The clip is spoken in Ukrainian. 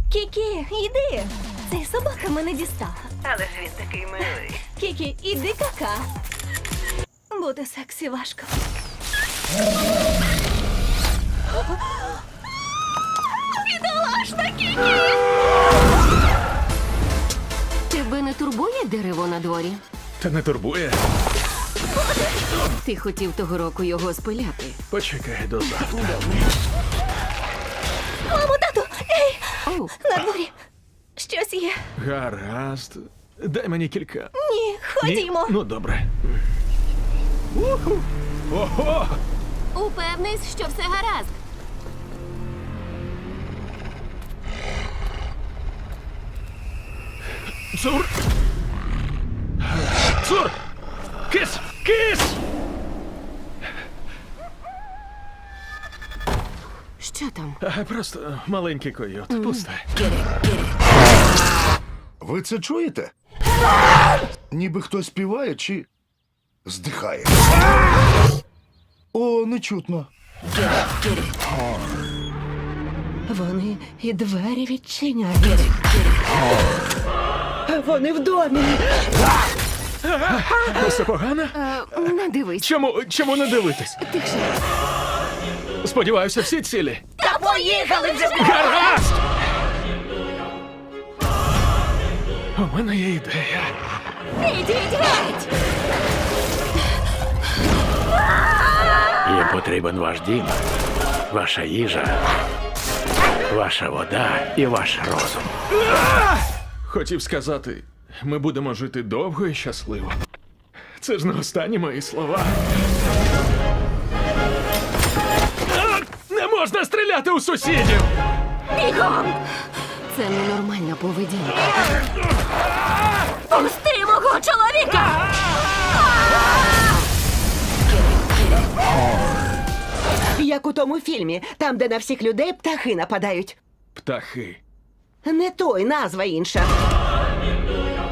Кікі, йди. Цей собака мене дістала. Але ж він такий милий. Кікі, іди кака. Бути сексі важко. Бідолашна Кікі! Тебе не турбує дерево на дворі? Та не турбує. Ти хотів того року його спиляти. Почекай до завтра. Мамо, тату! Ей! Оу, На дворі! Щось є. Гаразд. Дай мені кілька. Ні, ходімо. Ну, добре. Уху. Ого! упевнись, що все гаразд. Цур! Цур! Кис! Кис! Що там? Просто маленький койот. Пусте. Ви це чуєте? Ніби хтось співає чи здихає. О, не чутно. Вони і двері відчиняють. Вони в домі. Все погано? Не дивись. Чому не дивитись? Тихше. Сподіваюся, всі цілі. Та поїхали вже! Гаразд! У мене є ідея. Ідіть геть! Їм потрібен ваш дім, ваша їжа, ваша вода і ваш розум. Хотів сказати, ми будемо жити довго і щасливо. Це ж не останні мої слова. Не можна стріляти у сусідів! Бігом! Це ненормальна поведінка. Пусти мого чоловіка! Як у тому фільмі, там, де на всіх людей птахи нападають. Птахи. Не той, назва інша.